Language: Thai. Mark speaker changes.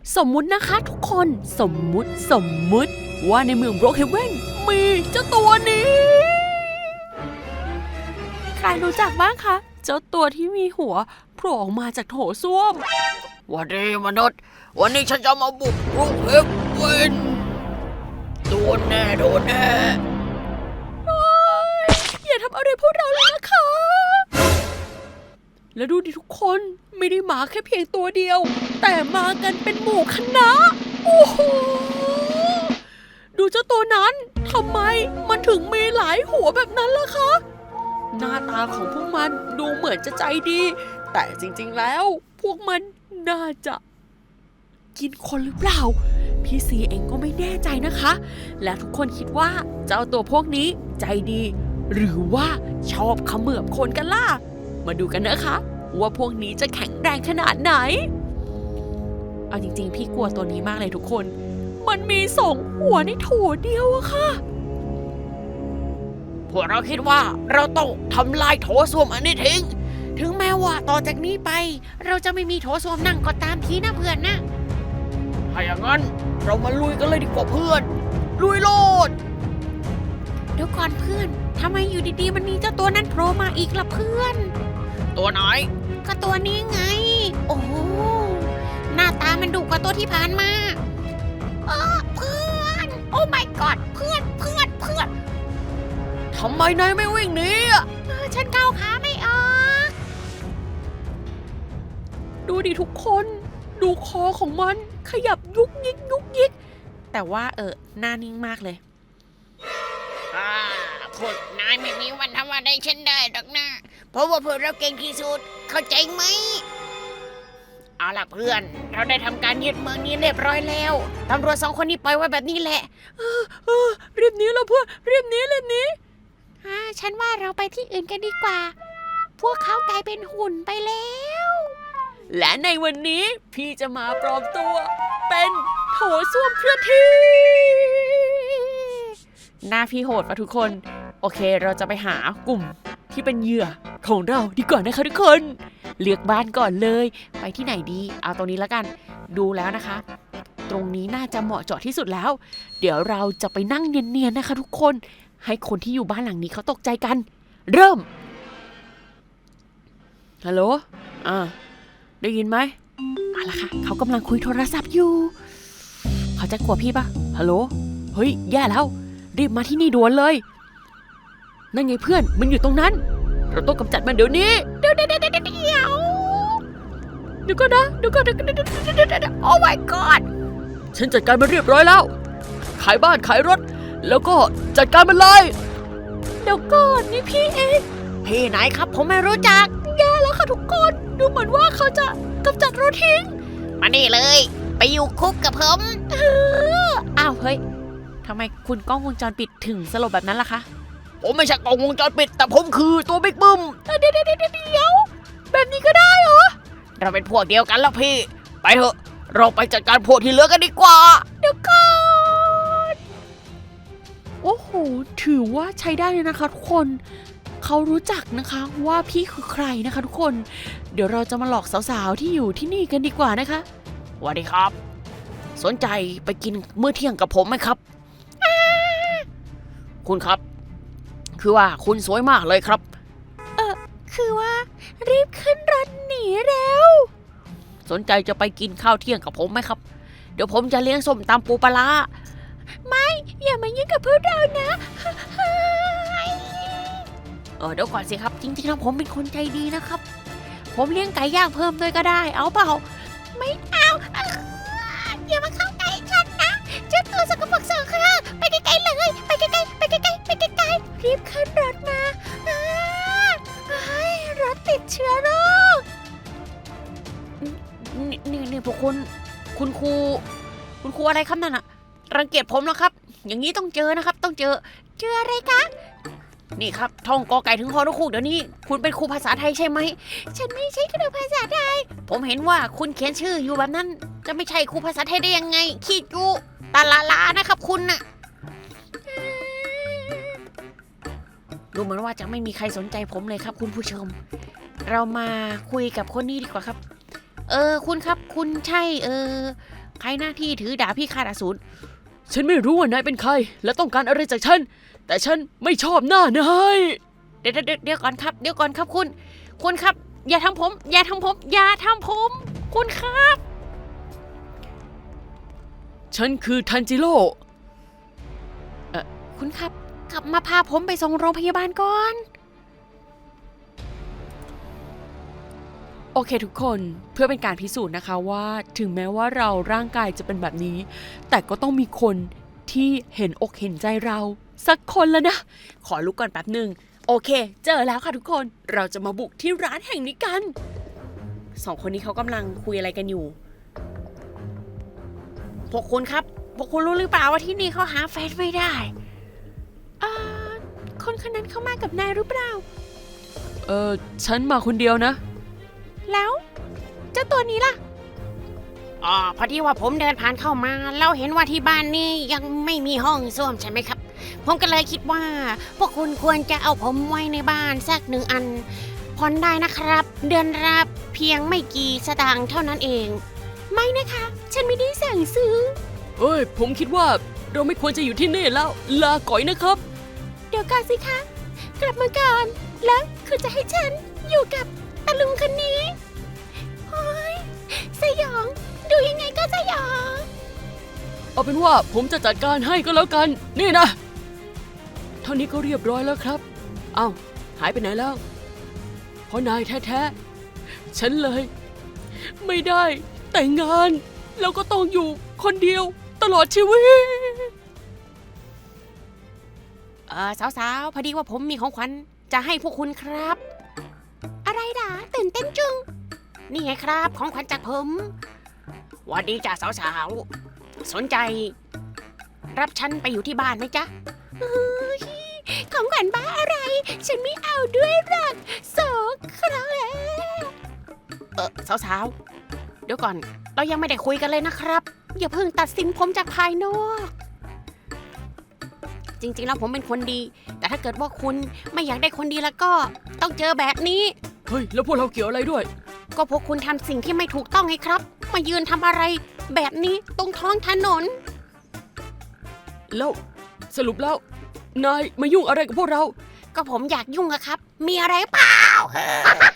Speaker 1: สมมุตินะคะทุกคนสมมุติว่าในเมืองบล็อกเฮเว่นมีเจ้าตัวนี้ใครรู้จักบ้างคะเจ้าตัวที่มีหัวโผล่ออกมาจากโถส้วม
Speaker 2: วันนี้มนุษย์วันนี้ฉันจะมาบุกรุกเฮเว่นโดนแน่
Speaker 1: อย่าทำอะไรพวกเราเลยนะคะ แล้วดูดิทุกคนไม่ได้มาแค่เพียงตัวเดียวแต่มากันเป็นหมู่คณะโอ้โหดูเจ้าตัวนั้นทำไมมันถึงมีหลายหัวแบบนั้นล่ะคะหน้าตาของพวกมันดูเหมือนจะใจดีแต่จริงๆแล้วพวกมันน่าจะกินคนหรือเปล่าพี่ซีเองก็ไม่แน่ใจนะคะและทุกคนคิดว่าเจ้าตัวพวกนี้ใจดีหรือว่าชอบเขมือบคนกันล่ะมาดูกันนะคะว่าพวกนี้จะแข็งแรงขนาดไหนเอาจริงๆพี่กลัวตัวนี้มากเลยทุกคนมันมี2 หัวในโถเดียวอะค่ะ
Speaker 2: พวกเราคิดว่าเราต้องทำลายโถส้วมอันนี้ทิ้ง
Speaker 1: ถึงแม้ว่าต่อจากนี้ไปเราจะไม่มีโถส้วมนั่งก็ตามทีนะเพื่อนนะ
Speaker 2: ถ้าอย่างนั้นเรามาลุยกันเลยดีกว่าเพื่อนลุยโลด
Speaker 1: เดี๋ยวก่อนเพื่อนทำไมอยู่ดีๆมันมีเจ้าตัวนั้นโผล่มาอีกล่ะเพื่อน
Speaker 2: ตัวไหน
Speaker 1: ก็ตัวนี้ไงโอ้โหหน้าตามันดุกว่าตัวที่ผ่านมาเพื่อนโอ้ my god เพื่อน
Speaker 2: ทำไมนายไม่วิ่งหนี
Speaker 1: ฉันก้าวขาไม่ออกดูดิทุกคนดูคอของมันขยับยุกยิกแต่ว่าหน้านิ่งมากเลย
Speaker 2: พวกนายไม่มีวันทำอะไรฉันได้หรอกนะเพราะว่าพวกเราเก่งที่สุดเข้าใจไหมเอาล่ะเพื่อนเราได้ทำการยึดเมืองนี้เรียบร้อยแล้วตำรวจ2 คนนี้ปล่อยไว้แบบนี้แหละ
Speaker 1: รีบหนีแล้วเพื่อนรีบหนีฉันว่าเราไปที่อื่นกันดีกว่าพวกเขากลายเป็นหุ่นไปแล้วและในวันนี้พี่จะมาปลอมตัวเป็นโถส้วมเคลื่อนที่หน้าพี่โหดป่ะทุกคนโอเคเราจะไปหากลุ่มที่เป็นเหยื่อของเราดีกว่านะคะทุกคนเลือกบ้านก่อนเลยไปที่ไหนดีเอาตรงนี้แล้วกันดูแล้วนะคะตรงนี้น่าจะเหมาะเจาะที่สุดแล้วเดี๋ยวเราจะไปนั่งเนียนๆนะคะทุกคนให้คนที่อยู่บ้านหลังนี้เขาตกใจกันเริ่มฮัลโหลได้ยินไหมเอาล่ะค่ะเขากำลังคุยโทรศัพท์อยู่เขาจะกลัวพี่ปะฮัลโหลเฮ้ยแย่แล้วรีบมาที่นี่ด่วนเลยนั่นไงเพื่อนมันอยู่ตรงนั้นเราต้องกำจัดมันเดี๋ยวนี้เดี๋ยวก่อนนะโอ้ my god
Speaker 2: ฉันจัดการมันเรียบร้อยแล้วขายบ้านขายรถแล้วก็จัดการมันเลย
Speaker 1: เดี๋ยวก่อนนี่พี่เอง
Speaker 2: พี่ไหนครับผมไม่รู้จัก
Speaker 1: แย่แล้วค่ะทุกคนดูเหมือนว่าเขาจะกำจัดเราทิ้ง
Speaker 2: มานี่เลยไปอยู่คุกกับผม
Speaker 1: อ้าวเฮ้ยทำไมคุณกล้องวงจรปิดถึงสลบแบบนั้นล่ะคะ
Speaker 2: ผมไม่ใช่กล้องวงจรปิดแต่ผมคือตัวบิ๊กบึ้ม
Speaker 1: เดี๋ยวแบบนี้ก็ได้เหรอ
Speaker 2: เราเป็นพวกเดียวกันแล้วพี่ไปเถอะเราไปจัดการพวกที่เหลือกันดีกว่า
Speaker 1: เดี๋ยวก่อนโอ้โหถือว่าใช้ได้เลยนะคะทุกคนเขารู้จักนะคะว่าพี่คือใครนะคะทุกคนเดี๋ยวเราจะมาหลอกสาวๆที่อยู่ที่นี่กันดีกว่านะคะ
Speaker 2: สวัสดีครับสนใจไปกินมื้อเที่ยงกับผมไหมครับคุณครับคือว่าคุณสวยมากเลยครับ
Speaker 1: คือว่ารีบขึ้นรถหนีเร็ว
Speaker 2: สนใจจะไปกินข้าวเที่ยงกับผมไหมครับเดี๋ยวผมจะเลี้ยงส้มตำปูปลาร้า
Speaker 1: ไม่อย่ามายุ่งกับพวกเรานะ
Speaker 2: เดี๋ยวก่อนสิครับจริงๆแล้วผมเป็นคนใจดีนะครับ
Speaker 1: ผมเลี้ยงไก่ย่างเพิ่มด้วยก็ได้เอาเปล่าไม่เอาอย่ามาเข้าใกล้ฉันนะเจ้าตัวสกปรก2 ครั้งไปไกลๆเลยไปไกลๆรีบขึ้นรถมารถติดเชื้อโรค
Speaker 2: นี่พวกคุณครูอะไรครับนั่นอะรังเกียจผมแล้วครับอย่างนี้ต้องเจอนะครับต้องเจอ
Speaker 1: อะไรคะ
Speaker 2: นี่ครับท่องกอไก่ถึงฮอนกฮูกเดี๋ยวนี้คุณเป็นครูภาษาไทยใช่ไหม
Speaker 1: ฉันไม่ใช่ครูภาษาไทย
Speaker 2: ผมเห็นว่าคุณเขียนชื่ออยู่แบบนั้นจะไม่ใช่ครูภาษาไทยได้ยังไงขี้จุตาลานะครับคุณน่ะดูเหมือนว่าจะไม่มีใครสนใจผมเลยครับคุณผู้ชมเรามาคุยกับคนนี้ดีกว่าครับคุณครับคุณใช่ใครหน้าที่ถือดาบพิฆาตอสูร
Speaker 1: ฉันไม่รู้ว่านายเป็นใคร และต้องการอะไรจากฉัน แต่ฉันไม่ชอบหน้านาย
Speaker 2: เดี๋ยวก่อนครับเดี๋ยวก่อนครับคุณครับ อย่าทำผม อย่าทำผม อย่าทำผม คุณครับ
Speaker 1: ฉันคือทันจิโร่
Speaker 2: คุณครับ กลับมาพาผมไปส่งโรงพยาบาลก่อน
Speaker 1: โอเคทุกคนเพื่อเป็นการพิสูจน์นะคะว่าถึงแม้ว่าเราร่างกายจะเป็นแบบนี้ แต่ก็ต้องมีคนที่เห็นอกเห็นใจเราสักคนแล้วนะ ขอลุกก่อนแป๊บหนึ่งโอเค เจอแล้วค่ะทุกคนเราจะมาบุกที่ร้านแห่งนี้กันสองคนนี้เขากำลังคุยอะไรกันอยู่
Speaker 2: พวกคุณครับ พวกคุณรู้หรือเปล่าว่าที่นี่เขาหาแฟนไม่ได้
Speaker 1: คนคนนั้นเข้ามากับนายหรือเปล่าฉันมาคนเดียวนะ
Speaker 2: แล้วเจ้าตัวนี้ล่ะพอดีว่าผมเดินผ่านเข้ามาแล้วเห็นว่าที่บ้านนี่ยังไม่มีห้องส้วมใช่ไหมครับ ผมก็เลยคิดว่าพวกคุณควรจะเอาผมไว้ในบ้านสัก1 อันผ่อนได้นะครับ เดือนละเพียงไม่กี่สตางค์เท่านั้นเอง ไม่นะคะ ฉันไม่ได้สั่งซื้อ
Speaker 1: เฮ้ยผมคิดว่าเราไม่ควรจะอยู่ที่นี่แล้วลาก่อยนะครับ
Speaker 2: เดี๋ยวก่อนสิคะ กลับมาก่อน แล้วคุณจะให้ฉันอยู่กับตะลุงคนนี้โอ้ยสยอง ดูยังไงก็สยอง
Speaker 1: เอาเป็นว่าผมจะจัดการให้ก็แล้วกันนี่นะเท่านี้ก็เรียบร้อยแล้วครับเอ้าหายไปไหนแล้วเพราะนายแท้ๆฉันเลย ไม่ได้แต่งงานแล้วก็ต้องอยู่คนเดียวตลอดชีวิต
Speaker 2: สาวๆ พอดีว่าผมมีของขวัญจะให้พวกคุณครับ อะไรด่าตื่นเต้นจุง นี่ไงครับของขวัญจากผมหวัสดีจ้าสาวๆ สนใจ รับฉันไปอยู่ที่บ้านไหมจ๊ะของขวัญบ้าอะไร ฉันไม่เอาด้วยหรอกโสครับสาวๆ เดี๋ยวก่อนเรายังไม่ได้คุยกันเลยนะครับ อย่าเพิ่งตัดสินผมจากภายนอก จริงๆแล้วผมเป็นคนดี แต่ถ้าเกิดว่าคุณไม่อยากได้คนดีแล้วก็ต้องเจอแบบนี้
Speaker 1: เฮ้ยแล้วพวกเราเกี่ยวอะไรด้วย
Speaker 2: ก็พวกคุณทำสิ่งที่ไม่ถูกต้องไงครับ มายืนทำอะไรแบบนี้ตรงท้องถนน
Speaker 1: แล้วสรุปแล้วนายมายุ่งอะไรกับพวกเรา
Speaker 2: ก็ผมอยากยุ่งอะครับ มีอะไรเปล่า